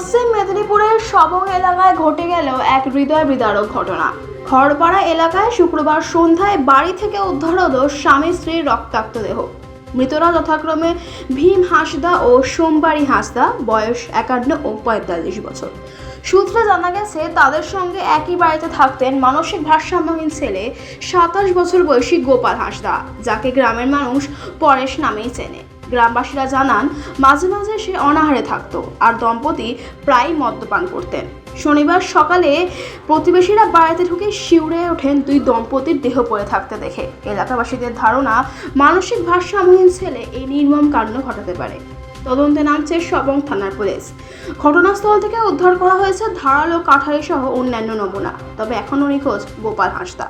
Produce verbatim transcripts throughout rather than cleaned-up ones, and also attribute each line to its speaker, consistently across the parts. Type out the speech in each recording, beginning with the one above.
Speaker 1: পশ্চিম মেদিনীপুরের সবং এলাকায় ঘটে গেল এক হৃদয় বিদারক ঘটনা। খড়পাড়া এলাকায় শুক্রবার সন্ধ্যায় বাড়ি থেকে উদ্ধার হলো স্বামী স্ত্রীর রক্তাক্ত দেহ। মৃতরা যথাক্রমে ভীম হাঁসদা ও সোমবাড়ি হাঁসদা, বয়স একান্ন ও পঁয়তাল্লিশ বছর। সূত্রে জানা গেছে তাদের সঙ্গে একই বাড়িতে থাকতেন মানসিক ভারসাম্যহীন ছেলে সাতাশ বছর বয়সী গোপাল হাঁসদা, যাকে গ্রামের মানুষ পরেশ নামেই চেনে। গ্রামবাসীরা জানান মাঝে মাঝে সে অনাহারে থাকতো আর দম্পতি প্রায় মদ্যপান করতেন। শনিবার সকালে প্রতিবেশীরা বাড়িতে ঢুকে শিউরে ওঠেন দুই দম্পতির দেহ পড়ে থাকতে দেখে। এলাকাবাসীদের ধারণা মানসিক ভারসাম্যহীন ছেলে এই নির্মম কাণ্ড ঘটাতে পারে। তদন্তে নামছে সবং থানার পুলিশ। ঘটনাস্থল থেকে উদ্ধার করা হয়েছে ধারালো কাঠারি সহ অন্যান্য নমুনা। তবে এখনও নিখোঁজ গোপাল হাঁসদা।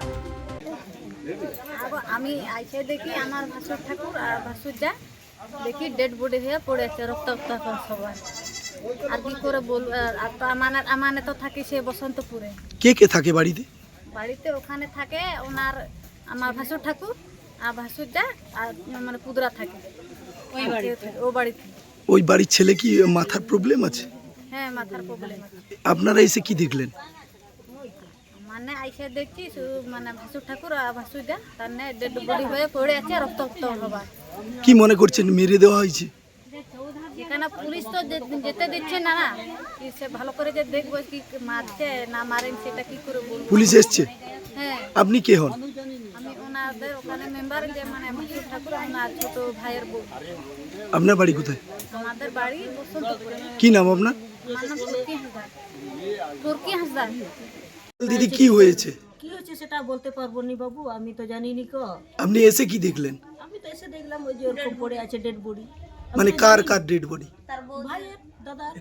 Speaker 2: আমি আইসে দেখি আমার ভাসুর ঠাকুর আর ভাসুরটা দেখি ডেড বডি হয়ে পড়ে আছে, রক্তাক্ত এখন সবাই। আর কি করে বলবো, আর তো আমার আমানে তো থাকি সে বসন্তপুরে।
Speaker 3: কে কে থাকে বাড়িতে?
Speaker 2: বাড়িতে ওখানে থাকে ওনার আমার ভাসুর ঠাকুর আর ভাসুরটা আর মানে পুদরা থাকে ওই বাড়িতে। ও বাড়িতে
Speaker 3: ওই বাড়ির ছেলে কি মাথার প্রবলেম আছে?
Speaker 2: হ্যাঁ, মাথার প্রবলেম আছে।
Speaker 3: আপনারা এসে কি দেখলেন?
Speaker 2: মানে আইসে দেখছি শুধু মানে ভাসুর ঠাকুর আর ভাসুরটা তার ডেড বডি হয়ে পড়ে আছে, রক্তাক্ত হবার।
Speaker 3: কি মনে করছেন মেরে দেওয়া হয়েছে?
Speaker 2: এখানে পুলিশ তো যেতে দিচ্ছে না না, কি সে ভালো করে যে দেখবো কি মারছে না মারেন সেটা কি করে বলবো।
Speaker 3: পুলিশ এসছে?
Speaker 2: হ্যাঁ।
Speaker 3: আপনি কে হন?
Speaker 2: আমি ওনাদের ওখানে মেম্বার, যে মানে ভাসুর ঠাকুর ওনার ছোট ভাইয়ের বউ।
Speaker 3: আপনার বাড়ি কোথায়?
Speaker 2: আমাদের বাড়ি বসন্তপুরে।
Speaker 3: কি নাম আপনার?
Speaker 2: আমার নাম তুর্কি হাসদার। তুর্কি হাসদার।
Speaker 3: দিদি কি হয়েছে?
Speaker 4: কি হচ্ছে সেটা বলতে পারবো নি বাবু, আমি তো জানি নি কো।
Speaker 3: আপনি এসে কি দেখলেন?
Speaker 4: আমি তো এসে দেখলাম ওই যে ওরকম পড়ে আছে ডেড বডি।
Speaker 3: মানে কার কার ডেড বডি?
Speaker 4: ভাইয়ের দাদার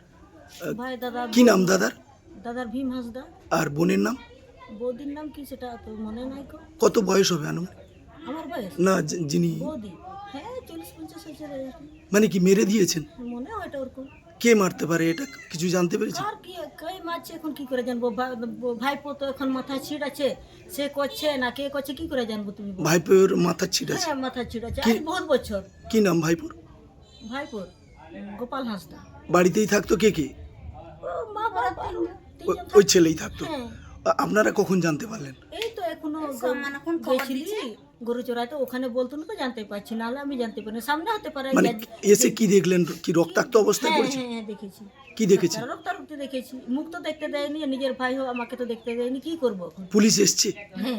Speaker 4: ভাই দাদা।
Speaker 3: কি নাম দাদার?
Speaker 4: দাদার ভীম হাঁসদা।
Speaker 3: আর বোনের নাম?
Speaker 4: বৌদির নাম কি সেটা তো মনে নাই কো।
Speaker 3: কত বয়স হবে আনুন?
Speaker 4: আমার বয়স
Speaker 3: না যি- যিনি
Speaker 4: বৌদি, হ্যাঁ চল্লিশ পঞ্চাশ বছর
Speaker 3: মানে কি মেরে দিয়েছেন?
Speaker 4: মনে হয় এটা ওরকম।
Speaker 3: কে মারতে পারে এটা কিছু জানতে পেরেছেন?
Speaker 4: আর কি কই মারছে এখন কি করে জানবো? ভাইপো তো এখন মাথা ছিট আছে, সে করছে না কে করছে কি করে জানবো তুমি বলো?
Speaker 3: ভাইপোর মাথার ছিট আছে?
Speaker 4: হ্যাঁ মাথা ছিট আছে,
Speaker 3: কি-
Speaker 4: আজ বহুত বছর।
Speaker 3: কি নাম ভাইপোর?
Speaker 4: ভাইপোর গোপাল হাঁসদা।
Speaker 3: বাড়িতেই থাকতো কে কে?
Speaker 4: ও মা বাবা
Speaker 3: ও-
Speaker 4: তিনজন
Speaker 3: ওই ছেলেই থাকতো?
Speaker 4: হ্যাঁ।
Speaker 3: আ- আপনারা কখন জানতে পারলেন?
Speaker 4: এই তো এখনো গেছিলি গরু চড়াইতে, ওখানে বলতো না তো জানতে পারছি, নাহলে আমি জানতে পারি না। সামনে হতে পারে।
Speaker 3: মানে এসে কি দেখলেন? কি রক্তাক্ত অবস্থায়
Speaker 4: হ্যাঁ
Speaker 3: পড়েছে?
Speaker 4: হ্যাঁ হ্যাঁ, দেখেছি।
Speaker 3: কি দেখেছেন?
Speaker 4: রক্তারক্তি দেখেছি, মুখ তো দেখতে দেয়নি, নিজের ভাই হোক আমাকে তো দেখতে দেয়নি, কি করবো এখন?
Speaker 3: পুলিশ এসছে?
Speaker 4: হ্যাঁ,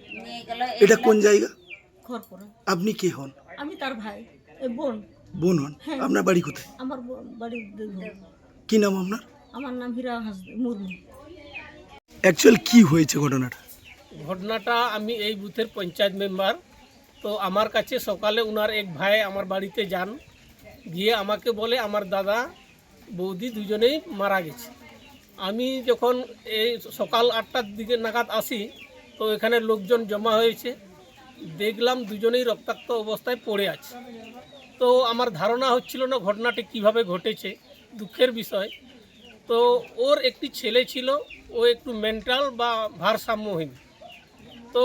Speaker 3: এটা কোন জায়গা?
Speaker 4: খড়পড়া।
Speaker 3: আপনি কে হন?
Speaker 4: আমি তার ভাই, এই বোন।
Speaker 3: বোন হন?
Speaker 4: হ্যাঁ।
Speaker 3: আপনার বাড়ি কোথায়?
Speaker 4: আমার ব- বাড়ির দেবো।
Speaker 3: কি নাম আপনার?
Speaker 4: আমার নাম হীরা হাঁস মুর্মু।
Speaker 3: অ্যাকচুয়াল কি হয়েছে ঘটনাটা?
Speaker 5: ঘটনাটা, আমি এই বুথের পঞ্চায়েত মেম্বার। তো আমার কাছে সকালে উনার এক ভাই আমার বাড়িতে যান, গিয়ে আমাকে বলে আমার দাদা বৌদি দুজনেই মারা গেছে। আমি যখন এই সকাল আটটার দিকে নাগাদ আসি, তো এখানে লোকজন জমা হয়েছে, দেখলাম দুজনেই রক্তাক্ত অবস্থায় পড়ে আছে। তো আমার ধারণা হচ্ছিল না ঘটনাটি কিভাবে ঘটেছে, দুঃখের বিষয়। তো ওর একটি ছেলে ছিল, ও একটু মেন্টাল বা ভারসাম্যহীন। তো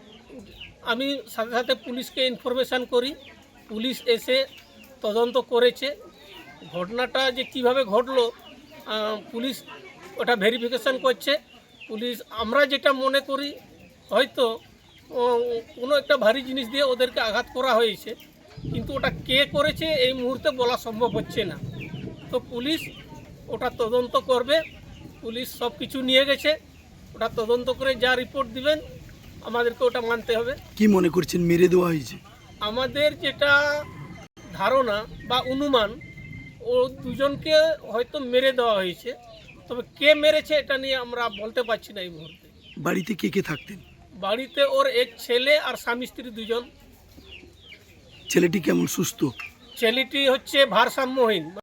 Speaker 5: আমি সাথে সাথে পুলিশকে ইনফরমেশান করি, পুলিশ এসে তদন্ত করেছে। ঘটনাটা যে কিভাবে ঘটলো আহ, পুলিশ ওটা ভেরিফিকেশান করছে। পুলিশ, আমরা যেটা মনে করি হয়তো উম, কোনো একটা ভারী জিনিস দিয়ে ওদেরকে আঘাত করা হয়েছে, কিন্তু ওটা কে করেছে এই মুহূর্তে বলা সম্ভব হচ্ছে না। তো পুলিশ ওটা তদন্ত করবে, পুলিশ সব কিছু নিয়ে গেছে, ওটা তদন্ত করে যা রিপোর্ট দিবেন আমাদেরকে ওটা মানতে হবে।
Speaker 3: কি মনে করছেন মেরে দেওয়া হয়েছে?
Speaker 5: আমাদের যেটা ধারণা বা অনুমান, ও দুজনকে হয়তো মেরে দেওয়া হয়েছে, তবে কে মেরেছে এটা নিয়ে আমরা বলতে পারছি না এই মুহূর্তে।
Speaker 3: বাড়িতে কে কে থাকতেন?
Speaker 5: বাড়িতে ওর এক ছেলে আর স্বামী স্ত্রী দুজন।
Speaker 3: ছেলেটি কেমন, সুস্থ?
Speaker 5: ছেলেটি হচ্ছে ভারসাম্যহীন।